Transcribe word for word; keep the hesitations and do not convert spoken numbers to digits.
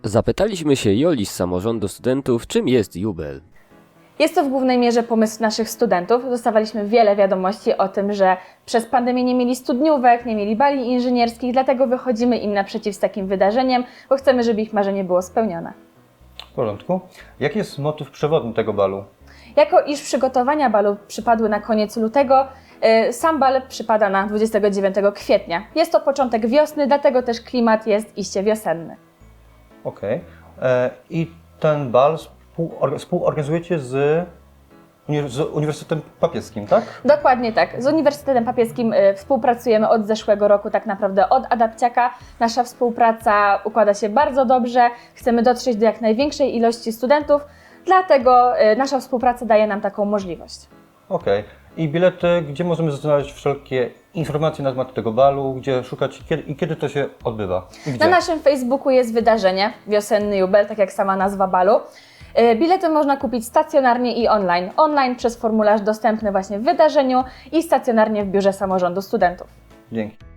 Zapytaliśmy się Joli z Samorządu Studentów, czym jest Jubel. Jest to w głównej mierze pomysł naszych studentów. Dostawaliśmy wiele wiadomości o tym, że przez pandemię nie mieli studniówek, nie mieli bali inżynierskich, dlatego wychodzimy im naprzeciw z takim wydarzeniem, bo chcemy, żeby ich marzenie było spełnione. W porządku. Jaki jest motyw przewodni tego balu? Jako iż przygotowania balu przypadły na koniec lutego, yy, sam bal przypada na dwudziestego dziewiątego kwietnia. Jest to początek wiosny, dlatego też klimat jest iście wiosenny. Okej. Okay. I ten bal współor- współorganizujecie z, uni- z Uniwersytetem Papieskim, tak? Dokładnie tak. Z Uniwersytetem Papieskim y, współpracujemy od zeszłego roku, tak naprawdę od Adapciaka. Nasza współpraca układa się bardzo dobrze. Chcemy dotrzeć do jak największej ilości studentów, dlatego y, nasza współpraca daje nam taką możliwość. Okej. Okay. I bilety, gdzie możemy znaleźć wszelkie informacje na temat tego balu, gdzie szukać kiedy, i kiedy to się odbywa? I gdzie? Na naszym Facebooku jest wydarzenie Wiosenny Jubel, tak jak sama nazwa balu. Y, Bilety można kupić stacjonarnie i online. Online przez formularz dostępny właśnie w wydarzeniu i stacjonarnie w Biurze Samorządu Studentów. Dzięki.